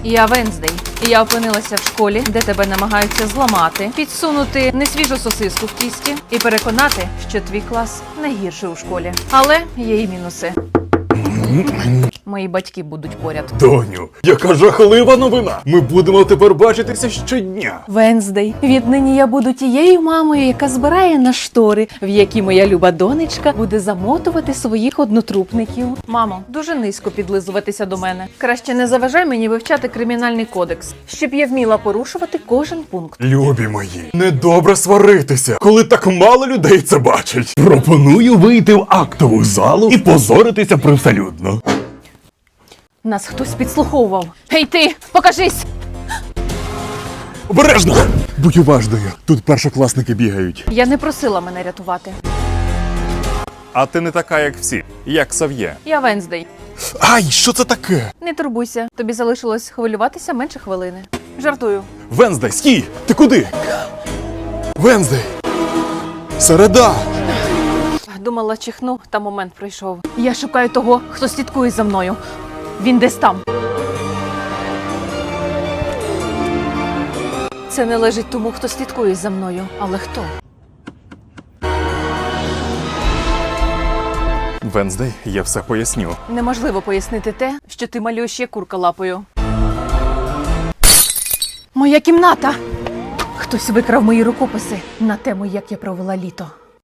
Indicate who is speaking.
Speaker 1: Я Венздей. Я опинилася в школі, де тебе намагаються зламати, підсунути несвіжу сосиску в тісті і переконати, що твій клас найгірший у школі. Але є і мінуси. Мої батьки будуть поряд.
Speaker 2: Доню, яка жахлива новина! Ми будемо тепер бачитися щодня.
Speaker 1: Венздей, віднині я буду тією мамою, яка збирає на штори, в які моя люба донечка буде замотувати своїх однотрупників. Мамо, дуже низько підлизуватися до мене. Краще не заважай мені вивчати кримінальний кодекс, щоб я вміла порушувати кожен пункт.
Speaker 2: Любі мої, недобре сваритися, коли так мало людей це бачать. Пропоную вийти в актову залу і позоритися привселюдно.
Speaker 1: Нас хтось підслуховував. Гей ти, покажись!
Speaker 2: Обережно! Будь уважною, тут першокласники бігають.
Speaker 1: Я не просила мене рятувати.
Speaker 2: А ти не така, як всі, як Сав'є.
Speaker 1: Я Венздей.
Speaker 2: Ай, що це таке?
Speaker 1: Не турбуйся, тобі залишилось хвилюватися менше хвилини. Жартую.
Speaker 2: Венздей, стій! Ти куди? Венздей! Середа!
Speaker 1: Думала, чихну, та момент прийшов. Я шукаю того, хто слідкує за мною. Він десь там. Це не лежить тому, хто слідкує за мною. Але хто?
Speaker 2: Венздей, я все поясню.
Speaker 1: Неможливо пояснити те, що ти малюєш як курка лапою. Моя кімната! Хтось викрав мої рукописи на тему, як я провела літо.